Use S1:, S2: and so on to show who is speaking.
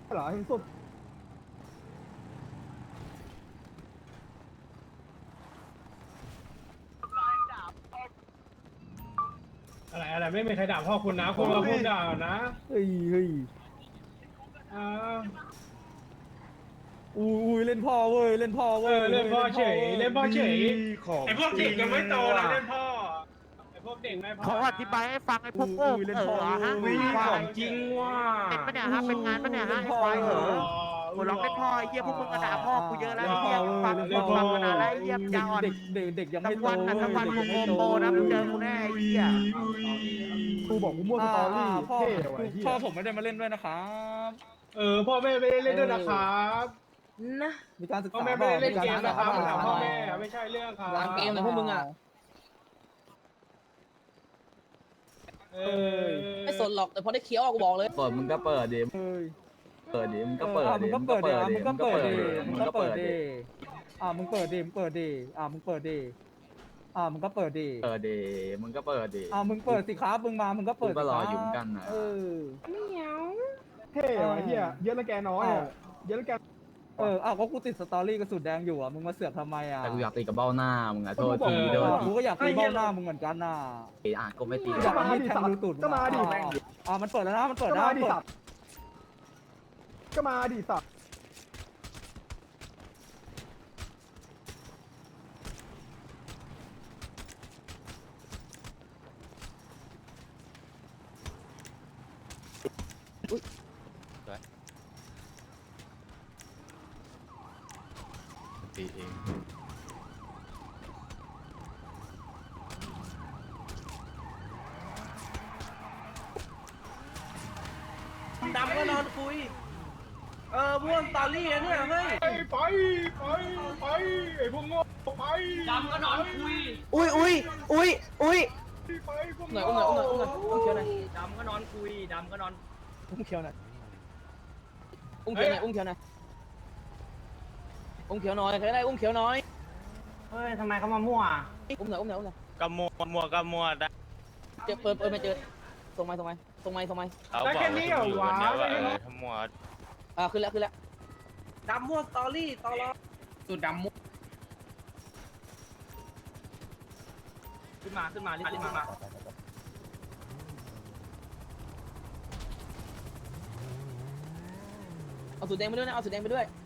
S1: เหรอเห็นสุด
S2: อะไรไม่มีใครด่าพ่อคุณนะคุณมาพูดด่านะ
S1: เฮ้ยเฮ้ย
S2: อ่า
S1: อุ้ยเล่นพ่อเว้ยเล่นพ่อเว้ย
S2: เล่นพ่อเฉยเล่นพ่อเฉย
S3: ของ
S2: ไอพวกเด็กยังไม่โตนะเล่นพ่อไอพวกเด็กไม่พอ
S4: เขาอธิบายให้ฟังไอ้พวกโง่
S1: อุ้ยเล่น
S4: เอ
S1: พ่อ
S4: อฮะ
S1: เว้ย
S3: ของจริงว่ะ
S4: เป็นปะเนี่ยฮะเป็นงานปะเนี่ยฮะไอ้ควายเหรอหัวร้องเป็นพ่อไอ้เหี้ยพวกมึงกระด่าพ่อกูเยอะแล้วไอ้เหี้ยฟังฟังมานานแล้วไอ้เหี้ยยาวอ่อน
S1: เด็กยังไม่
S4: ทั้ง
S1: โต
S4: วันนะทั้งวันมึงโมโมนะมึงเจอกูแน่ไอ้เหี้ย
S1: ครูบอกกูมั่วสตอรี่
S5: พ่อ
S1: เท่ว่ะไอ้เหี้ย
S5: พ่อผมไม่ได้มาเล่นด้วยนะครับ
S2: พ่อแม่ไม่ได้เล่นด้วยนะครับ
S6: นะ
S1: มีการศึก
S2: พ่อ
S1: ษา
S2: แม่ไม่ได้เล่นเกมนะครับ
S1: มี
S2: ถาม
S1: ก
S2: พ่อ
S1: ศึกษ
S2: แม่ไม่ใช่เรื่องครับ
S6: วางเกมเลยพวกมึงอ่ะ
S2: เออ
S6: ไม่สนหรอกแต่พอได้เคี้ยวอะกูบอกเลย
S7: เปิดมึงก็เปิดดิ
S1: เฮ้ย
S7: เปิดดิมึงก็เปิด
S1: มึ
S7: ดิ
S1: งก็เปิดดิมึงก็เปิดดิ
S7: มึ
S1: มึ
S7: ง
S1: ง
S7: ก็
S1: ก็
S7: เปิ
S1: เปิ
S7: ด
S1: ด
S7: ดิ
S1: ดิมึงเปิดดิมึงเปิดดิมึงเปิดดิมึงก็เปิดดิ
S7: เปิดดิมึงก็เปิดดิ
S1: มึงเปิดสิครับมึงมามึงก็เปิด
S7: กูก็รออยู่เหมือนกันนะ
S1: เท่ว่ะไอ้เหี้ยเยอะแล้วแกน้อยอ่ะเยอะแล้วแกก็กูติดสตอรี่กระสุนแดงอยู่มึงมาเสือกทำไม
S7: แต่กูอยากตีกับเบ้าหน้ามึงอะโทษทีโทษที
S1: กูก็อยากตีเบ้าหน้ามึงเหมือนกันน่ะ
S7: ก็ไม่ตี
S1: อยากให้แทงรูตูดก็มาดิมันเปิดแล้วนะมันเปิดนะก็มาดิสัตว์
S3: ตีเอง
S6: ดำก็นอนคุย ม่วนตอรี่นะเนี่ยเฮ้ย
S2: ไปไอพวกโง่ไปดำก็นอนคุย
S6: อุ้ย
S2: ไปพวก
S6: หน่อย
S2: โง่
S6: อุ้มหน่อยอุ้มเคี้ยวหน่อย
S2: ดำก็นอนคุยดำก็นอน
S6: อุ้มเคี้ยวหน่อยอุ้มเคี้ยวหน่อยอุ้มเคี้ยวหน่อยอุ้มเคี้ยวน้อยใครได้อุ้มเคี้ยวน้อย
S2: เฮ้ยทำไมเขามามั่ว
S6: อุ้มหน่อยอุ้มหน่อยอุ้มหน่อย
S3: กำมัวได้
S6: เจอเปิดไม่เจอส่งไม้
S3: เขาบอกว่าอยู่กันเนี่ยว่าทั้งมัว
S6: ขึ้นแล้ว
S2: ดำมั่วสตอรี่ตอรอ
S6: สุดดำมุกขึ้นมารีบมาเอาสูตรแดงไปด้วยนะเอาสูตรแดงไปด้วย